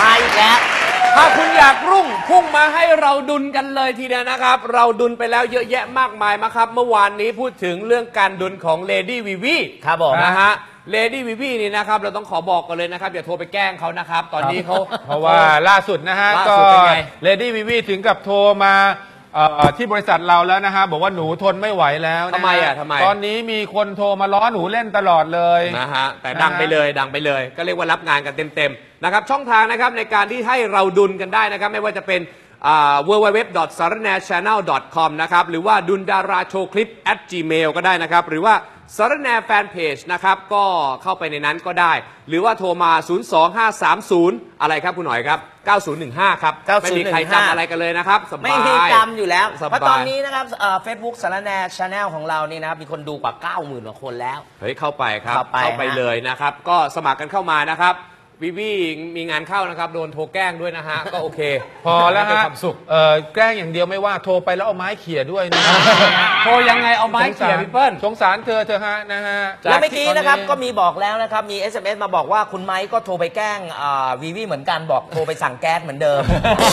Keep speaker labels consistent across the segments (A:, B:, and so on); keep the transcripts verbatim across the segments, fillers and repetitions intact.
A: มาอีกแล้ว
B: ถ้าคุณอยากรุ่งพุ่งมาให้เราดุลกันเลยทีเดียวนะครับเราดุลไปแล้วเยอะแยะมากมายมาครับเมื่อวานนี้พูดถึงเรื่องการดุลของเลดี้วีวี
A: ครับผม
B: นะฮะเลดี้วีวีนี่นะครับเราต้องขอบอกกันเลยนะครับอย่าโทรไปแกล้งเขานะครับตอนนี้เขา
C: เพราะว่าล่าสุดนะฮะก็เลดี้วีวีถึงกับโทรมาที่บริษัทเราแล้วนะฮะบอกว่าหนูทนไม่ไหวแล้ว
B: ทำไมอ่ะทำไม
C: ตอนนี้มีคนโทรมาล้อหนูเล่นตลอดเลย
B: นะฮะแต่ดังไปเลยดังไปเลยก็เรียกว่ารับงานกันเต็มๆนะครับช่องทางนะครับในการที่ให้เราดุลกันได้นะครับไม่ว่าจะเป็น ดับเบิลยู ดับเบิลยู ดับเบิลยู ดอท สารแหน่ แชนแนล ดอท คอม นะครับหรือว่าดุลดาราโชว์คลิป แอท จีเมล ก็ได้นะครับหรือว่าสารแหน่แฟนเพจนะครับก็เข้าไปในนั้นก็ได้หรือว่าโทรมาศูนย์ สอง ห้า สาม ศูนย์อะไรครับคุณหน่อยครับเก้าศูนย์หนึ่งห้าครับไม่มีใครจำอะไรกันเลยนะครับสบาย
A: ไม่มีจำอยู่แล้วเพราะตอนนี้นะครับเฟซบุ๊กสารแหน่ แชนแนล ของเรานี่นะครับมีคนดูกว่า เก้าหมื่น กว่าคนแล้ว
B: เฮ้ยเข้าไปครับเข้าไปเลยนะครับก็สมัครกันเข้ามานะครับวีวีมีงานเข้านะครับโดนโทรแกล้งด้วยนะฮะก็โอเค
C: พอแล้วฮะเออแกล้งอย่างเดียวไม่ว่าโทรไปแล้วเอาไม้เขี่ยด้วยนะ
B: โทรยังไงเอาไม้เขี่ยพี่เปิ้ล
C: สงสารเธอเธอฮะนะฮะ
A: แล้วเมื่อกี้นะครับก็มีบอกแล้วนะครับมี เอส เอ็ม เอส มาบอกว่าคุณไม้ก็โทรไปแกล้งวีวีเหมือนกันบอกโทรไปสั่งแก๊สเหมือนเดิม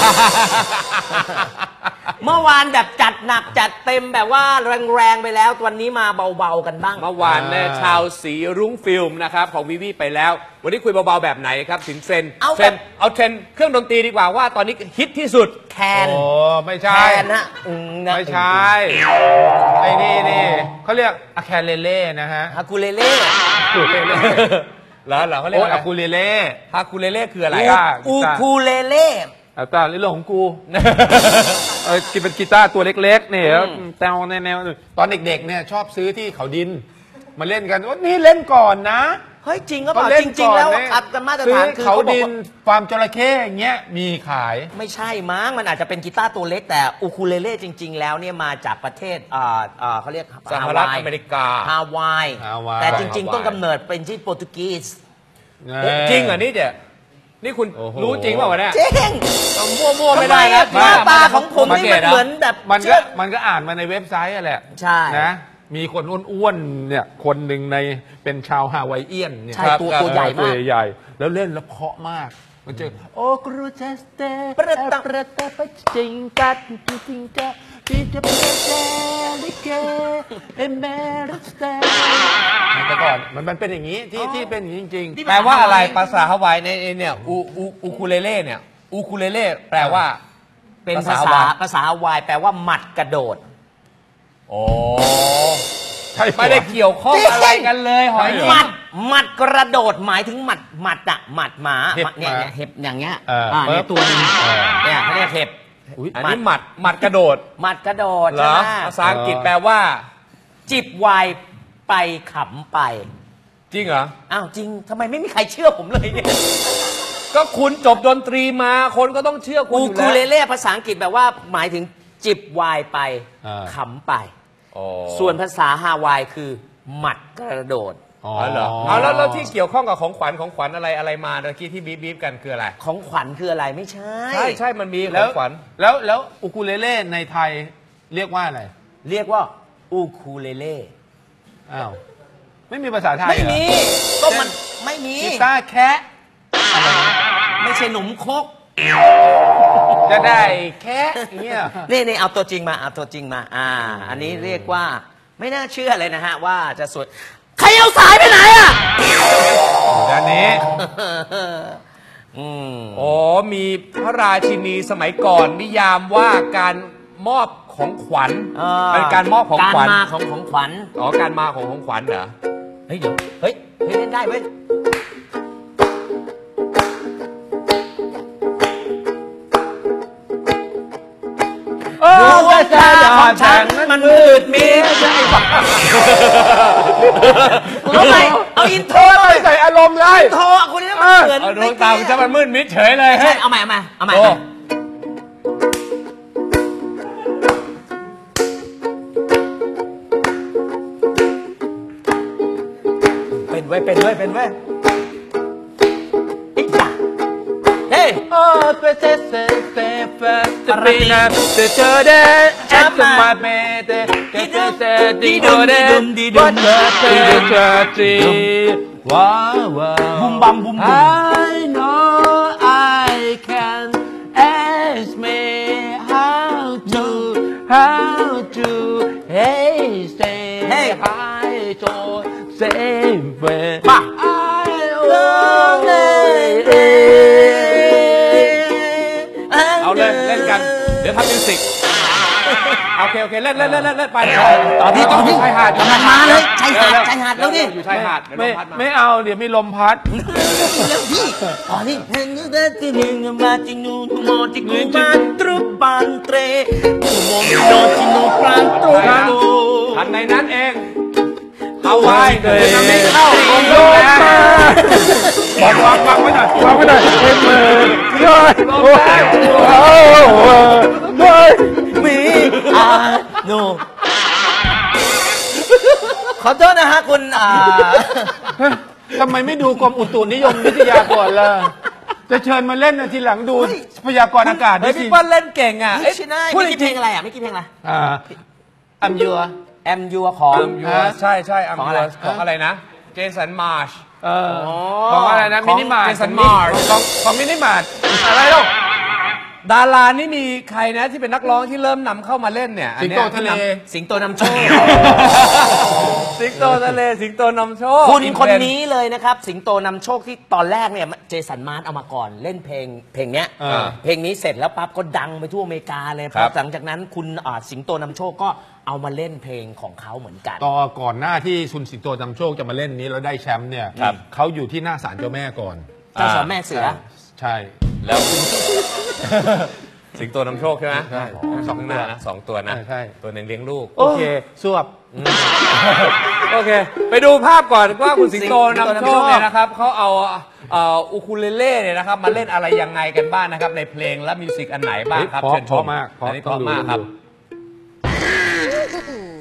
A: เมื่อวานแบบจัดหนักจัดเต็มแบบว่าแรงๆไปแล้ววันนี้มาเบาๆกันบ้าง
B: เมื่อวานเนี่ยชาวสีรุ้งฟิล์มนะครับของวีวีไปแล้ววันนี้คุยเบาๆแบบไหนครับถึงเทรน
A: เอา
B: เทรนเอาเทรนเครื่องดนตรีดีกว่าว่าตอนนี้ฮิตที่สุด
A: แคน
C: โอ้ไม่ใช่
A: แคนนะ
C: ไม่ใช่ไอ้นี่นี่เขาเรียกอะแคนเลเล่นะฮะ
A: ฮาคูเลเล่
B: ฮาคูเลเล่เหรอเหรอเขาเรียก
C: อะคูเลเล่
B: ฮาคูเลเล่คืออะไร
A: อูคูเลเล่
C: ตาเรื่องของกูเออกินเป็นกีตาร์ตัวเล็กๆเนี่ยแนวแนวตอนเด็กๆเนี่ยชอบซื้อที่เขาดินมาเล่นกันว่านี่เล่นก่อนนะ
A: เฮ้ยจริงก็บอกจริงๆแล้วอัตมาตรฐานคือ
C: เขาดินฟาร์มจระเข้อย่างเงี้ยมีขาย
A: ไม่ใช่มั้งมันอาจจะเป็นกีตาร์ตัวเล็กแต่อูคูเลเล่จริงๆแล้วเนี่ยมาจากประเทศอ่าอ่าเขาเรียก
B: สหรัฐอเมริกา
A: ฮาวายแต่จริงๆต้นกำเนิดเป็นที่โปรตุเกส
B: จริงเหรอนี่เดี๋ยนี่คุณรู้จริงเปล่าวะเนี่ย
A: จริง
B: มั่วๆไม่ได้นะ
A: หน้าตาของผมนี่มันเหมือนแบบ
C: มันก็มันก็อ่านมาในเว็บไซต์แหละ
A: ใช่
C: นะมีคนอ้วนๆเนี่ยคนหนึ่งในเป็นชาวฮาวายเอียนเนี่ย
A: ใช่ตัวตัวใหญ่มาก
C: ใหญ่แล้วเล่นแล้วเพาะมากมันเจอโอ้กรูเจสเตประตะประตะปจิงกัดจิงกัดที่จะเป็นเจลิเกเอเมริสเตแต่ก่อนมันมันเป็นอย่างนี้ที่ที่เป็นอย่างนี้จริง
B: ๆแปลว่าอะไรภาษาฮาวายในเนี่ยอูอูอูคูเลเล่เนี่ยอูคูเลเล่แปลว่า
A: เป็นภาษาภาษาฮาวายแปลว่าหมัดกระโดด
B: โอ้ไม่ได้เกี่ยวข้องอะไรกันเลยหอย
A: หมัดหมัดกระโดดหมายถึงหมัดหมัดอะหมัดหมาเนี่ยเห็บอย่างเงี้ยอ่าเนี่ยตัวนึงเนี่ยเขาเรียกเห็บ
B: อันนี้หมัดหมัดกระโดด
A: หมัดกระโดด
B: เหรอภาษาอังกฤษแปลว่า
A: จิบไวน์ไปขำไป
B: จริงเหรอ
A: อ้าวจริงทำไมไม่มีใครเชื่อผมเลยเนี่ย
B: ก็คุณจบดนตรีมาคนก็ต้องเชื่อคุณ
A: อูคูเลเล่ภาษาอังกฤษแปลว่าหมายถึงจิบไวน์ไปขำไปส่วนภาษาฮาวายคือหมัดกระโดด
B: อ๋อเหรอเอาแล้วแล้วที่เกี่ยวข้องกับของขวัญของขวัญอะไรอะไรมาเมื่อกี้ที่บีบบีบกันคืออะไร
A: ของขวัญคืออะไรไม่ใช่
B: ใช่ใช่มันมีของขวัญ
C: แล้วแล้วอูคูเลเล่ในไทยเรียกว่าอะไร
A: เรียกว่าอูคูเลเล่
C: อ้าวไม่มีภาษาไทย
A: ไม่มีก็มันไม่มี
C: กีตาร์แคะ
A: ไม่ใช่หนุ่มคก
C: จะได้แค่เนี่ย
A: นี่นี่เอาตัวจริงมาเอาตัวจริงมาอ่าอันนี้เรียกว่าไม่น่าเชื่อเลยนะฮะว่าจะสวยใครเอาสายไปไหนอ่ะ
C: ด้านนี้
B: อืมอ๋อมีพระราชินีสมัยก่อนนิยามว่าการมอบของขวัญเป็นการมอบของขวัญ
A: การมาของของขวัญ
B: อ๋อการมาของของขวัญเหรอ
A: เฮ้ยเดี๋ยวเฮ้ยเฮ้ยเล่นได้เว้ยดวงตาของฉันมันมืดมิดเอาไปเอาอินโทร
C: เลยใส่อารมณ์เลย
A: โทรคุณนี่มันเหมือน
B: ดวงตาของฉันมันมืดมิดเฉยเลย
A: ใช่เอาใหม่เอาใหม่เอาใหม่เป็นไว้เป็นไว้เป็นไว้
C: โอ้เปเซเซเซเฟตปีนาเตเจอเดแอตมาเมเตเกเตเซดีโดเดวัดเตเตเจจีว้าว
A: บุมบัมบุมบุม
C: I know I เว้ย
A: ป่ะ
B: เอาเลยเล่นกันเดี๋ยวทำมิวสิกโอเคโอเคเล่นเล่นเล่นเล่นเล่นไปเลย
A: ต่อพี่ต่อพี่
B: ชายหาด
A: กำลังมาเลยชายหาดชายหาดแล้วดิ
B: อยู่ชายหาดเดี๋ยวล
C: ไม่
B: มพัดมา
C: ไม่เอาเดี๋ยวมีลมพัด
A: เร็วพี่อ๋อนี่นึกได้ที่หนึ่งมาจินูโมจิกูมาตรุปันเตรโมโนจินูปรันตรุโก
B: ทันในนั้นเองเอาไว้เลยน้ำไม่เข้าลงลงนะ
C: บอกวางวางไว้หน่อยวางไว้หน่อยเต็มมือเลย
B: ลง
C: โอ้
B: ได้
C: โห
A: มีอาโนขอโทษนะฮะคุณอ่า
C: ทำไมไม่ดูกรมอุตุนิยมวิทยาก่อนล่ะจะเชิญมาเล่นนะทีหลังดูพยากรณ์อากาศ
B: เฮ้
C: ด้
B: ย
C: สิ
B: พี่เปิ้ลเล่นเก่งอ่ะ
A: ไม่ใช่
B: พูด
A: ไม่
B: จ
A: กี่เพล
B: ริ
A: ง
B: ง
A: อะไรอ่ะไม่กี่เพลงอะไร
C: อ่าอัมยัว
A: แอมยูของ
B: ใช่ใช่อัม
A: ของ
B: ยู
A: อะไร
B: ของอะไรนะเจสันมาร์ช
C: เออของอะไรนะ
B: ของ
C: มินิมาร์ท
B: Jason Mars
C: ของของมินิมาร์ท
B: อะไรลูกดารานี่มีใครนะที่เป็นนักร้องที่เริ่มนำเข้ามาเล่นเนี่ยอัน
C: สิง
B: เนี้
C: โต
B: ย
C: ทะเล
A: สิงโตนำโชค
B: สิงโตทะเลสิงโตนำโชค
A: คุณคนนี้เลยนะครับ สิงโตนำโชคที่ตอนแรกเนี่ยเจสันมาร์ทเอามาก่อนเล่นเพลงเพลงเนี้ย
C: เออ
A: เพลงนี้เสร็จแล้วปั๊บก็ดังไปทั่วอเมริกาเลยพอหลังจากนั้นคุณอ่าสิงโตนำโชคก็เอามาเล่นเพลงของเขาเหมือนกัน
C: ต่อก่อนหน้าที่ซุนสิงโตนำโชคจะมาเล่นนี้แล้วได้แชมป์เนี่ยเขาอยู่ที่หน้าศาลเจ้าแม่ก่อน
A: เจ้าสาวแม่เสือ
C: ใช่
B: แล้วสิงโตนำโชคใช่ไหม
C: ใช่
B: สองหน้านะสองตัวนะ
C: ใช่ใช่
B: ตัวหนึ่งเลี้ยงลูก
C: โอเคสวบ
B: โอเค ไปดูภาพก่อนว่าคุณสิงโต
A: สิงโต
B: นำ
A: นำ
B: โช
A: โช
B: ค
A: ค
B: เนี่ยนะครับเขาเอาเอ่ออูคูเลเล่เนี่ยนะครับมาเล่นอะไรยังไงกันบ้างนะครับในเพลงและมิวสิกอันไหนบ้างครับ
C: เพราะ
B: เชิญชม
C: เพราะมากเพราะ
B: อันนี้เพ
C: ต้อง
B: ราะ
C: ดู
B: มากครับ
C: ต้องดู